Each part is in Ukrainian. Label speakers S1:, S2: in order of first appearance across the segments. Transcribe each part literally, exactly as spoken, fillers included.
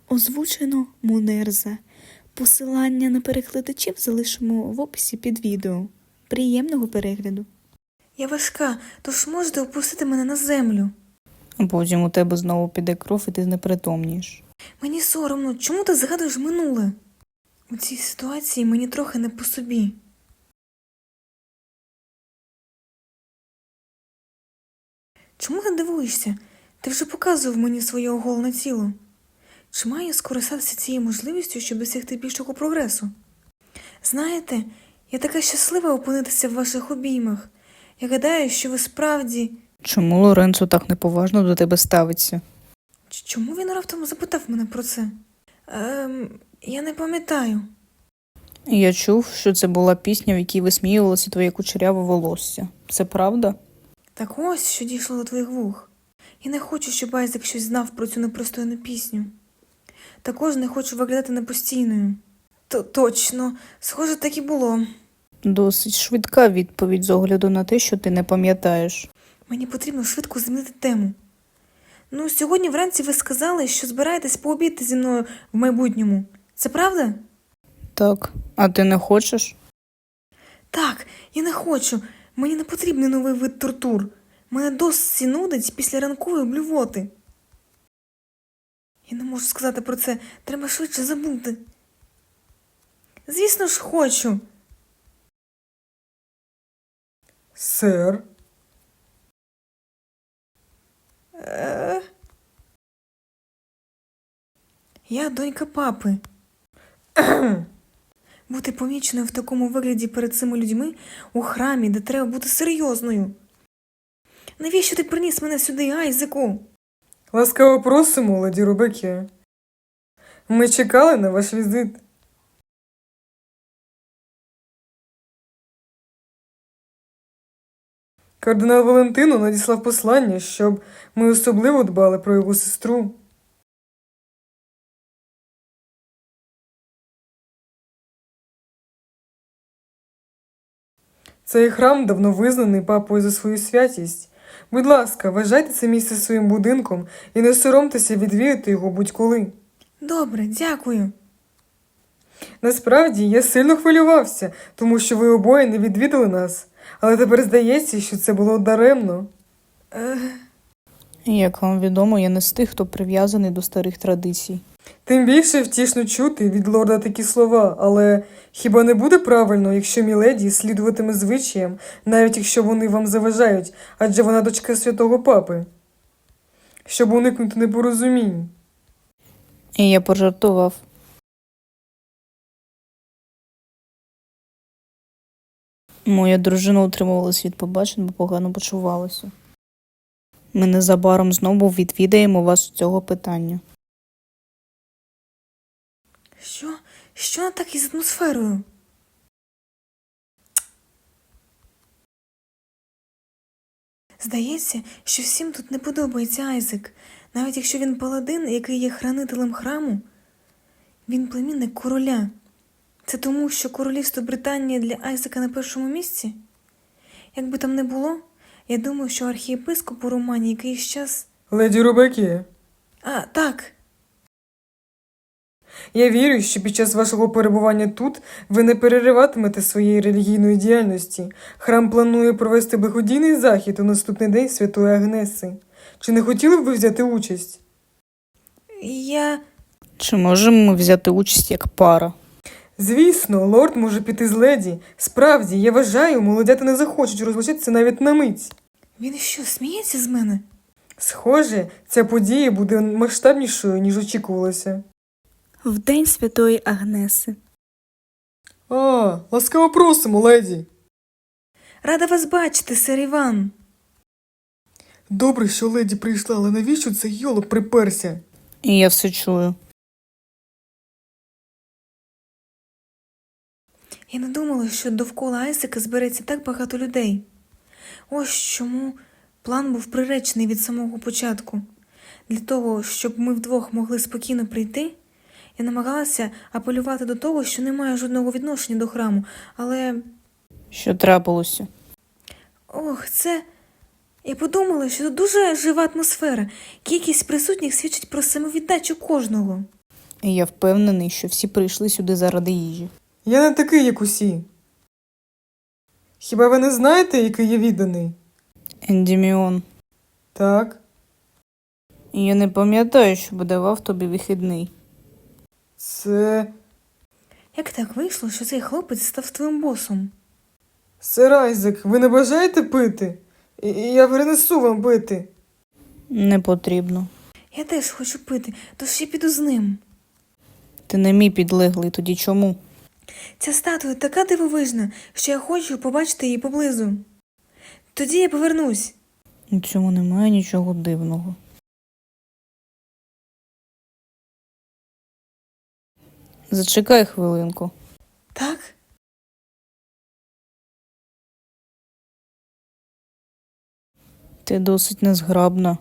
S1: Озвучено Мунерза. Посилання на перекладачів залишимо в описі під відео. Приємного перегляду.
S2: Я важка, тож можете опустити мене на землю.
S3: А потім у тебе знову піде кров і ти знепритомнієш.
S2: Мені соромно, чому ти згадуєш минуле? У цій ситуації мені трохи не по собі. Чому ти дивуєшся? Ти вже показував мені своє оголене тіло. Чи маю скористатися цією можливістю, щоб досягти більшого прогресу? Знаєте, я така щаслива опинитися в ваших обіймах. Я гадаю, що ви справді...
S3: Чому Лоренцо так неповажно до тебе ставиться?
S2: Ч- Чому він раптом запитав мене про це? Ем, я не пам'ятаю.
S3: Я чув, що це була пісня, в якій висміювалося твоє кучеряве волосся. Це правда?
S2: Так ось, що дійшло до твоїх вух. Я не хочу, щоб Айзек щось знав про цю непристойну пісню. Також не хочу виглядати непостійною. То точно, схоже, так і було.
S3: Досить швидка відповідь з огляду на те, що ти не пам'ятаєш.
S2: Мені потрібно швидко змінити тему. Ну, сьогодні вранці ви сказали, що збираєтесь пообідати зі мною в майбутньому. Це правда?
S3: Так, а ти не хочеш?
S2: Так, я не хочу. Мені не потрібний новий вид тортур. Мене досі нудить після ранкової блювоти. Я не можу сказати про це. Треба швидше забути. Звісно ж, хочу.
S4: Сер,
S2: Е... Я донька папи. Бути поміченою в такому вигляді перед цими людьми у храмі, де треба бути серйозною. Навіщо ти приніс мене сюди, Айзеку?
S4: ласкаво просимо, леді Рубекі. Ми чекали на ваш візит. Кардинал Валентино надіслав послання, щоб ми особливо дбали про його сестру. Цей храм давно визнаний папою за свою святість. Будь ласка, вважайте це місце своїм будинком і не соромтеся відвідати його будь-коли.
S2: Добре, дякую.
S4: Насправді, я сильно хвилювався, тому що ви обоє не відвідали нас. Але тепер здається, що це було даремно.
S2: Е...
S3: Як вам відомо, я не з тих, хто прив'язаний до старих традицій.
S4: Тим більше втішно чути від лорда такі слова, але хіба не буде правильно, якщо міледі слідуватиме звичаям, навіть якщо вони вам заважають, адже вона дочка святого папи? Щоб уникнути непорозумінь.
S3: І я пожартував. Моя дружина утримувалась від побачень, бо погано почувалася. Ми незабаром знову відвідаємо вас з цього питання.
S2: Що? Що не так із атмосферою? Здається, що всім тут не подобається Айзек. Навіть якщо він паладин, який є хранителем храму, він племінник короля. Це тому, що королівство Британії для Айзека на першому місці? Як би там не було, я думаю, що архієпископ у Романі якийсь час...
S4: Леді Рубекі,
S2: А, так.
S4: я вірю, що під час вашого перебування тут ви не перериватимете своєї релігійної діяльності. Храм планує провести благодійний захід у наступний день Святої Агнеси. Чи не хотіли б ви взяти участь?
S2: Я...
S3: Чи можемо ми взяти участь як пара?
S4: Звісно, лорд може піти з леді. Справді, я вважаю, молодята не захочуть розлучитися навіть на мить.
S2: Він що, сміється з мене?
S4: Схоже, ця подія буде масштабнішою, ніж очікувалося.
S1: В день Святої Агнеси.
S4: А, ласкаво просимо, леді.
S2: Рада вас бачити, сер Іван.
S4: Добре, що леді прийшла, але навіщо цей йолоп приперся?
S3: І я все чую.
S2: Я не думала, що довкола Айзека збереться так багато людей. Ось чому план був приречений від самого початку. Для того, щоб ми вдвох могли спокійно прийти, я намагалася апелювати до того, що не має жодного відношення до храму, але...
S3: Що трапилося?
S2: Ох, це... Я подумала, що тут дуже жива атмосфера. Кількість присутніх свідчить про самовіддачу кожного.
S3: І я впевнений, що всі прийшли сюди заради їжі.
S4: Я не такий, як усі. Хіба ви не знаєте, який я відданий?
S3: Ендіміон,
S4: Так,
S3: я не пам'ятаю, щоб давав тобі вихідний.
S4: це...
S2: Як так вийшло, що цей хлопець став твоїм босом?
S4: Сер Айзек, ви не бажаєте пити? І і я принесу вам пити.
S3: Не потрібно.
S2: Я теж хочу пити, тож я піду з ним.
S3: Ти не мій підлеглий, тоді чому?
S2: Ця статуя така дивовижна, що я хочу побачити її поблизу. Тоді я повернусь.
S3: У цьому немає нічого дивного. Зачекай хвилинку.
S2: Так?
S3: Ти досить незграбна.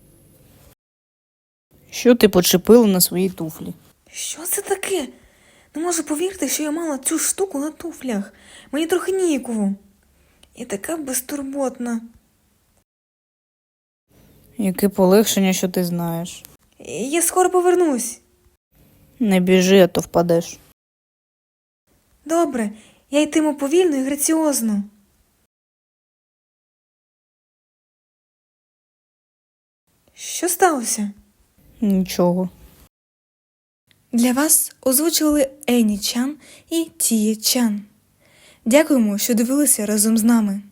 S3: Що ти почепила на своїй туфлі?
S2: Що це таке? Не можу повірити, що я мала цю штуку на туфлях. Мені трохи ніяково. І така безтурботна.
S3: Яке полегшення, що ти знаєш.
S2: Я скоро повернусь.
S3: Не біжи, а то впадеш.
S2: Добре, я йтиму повільно і граціозно. Що сталося?
S3: Нічого.
S1: Для вас озвучували Ені Чан і Тіє Чан. Дякуємо, що дивилися разом з нами.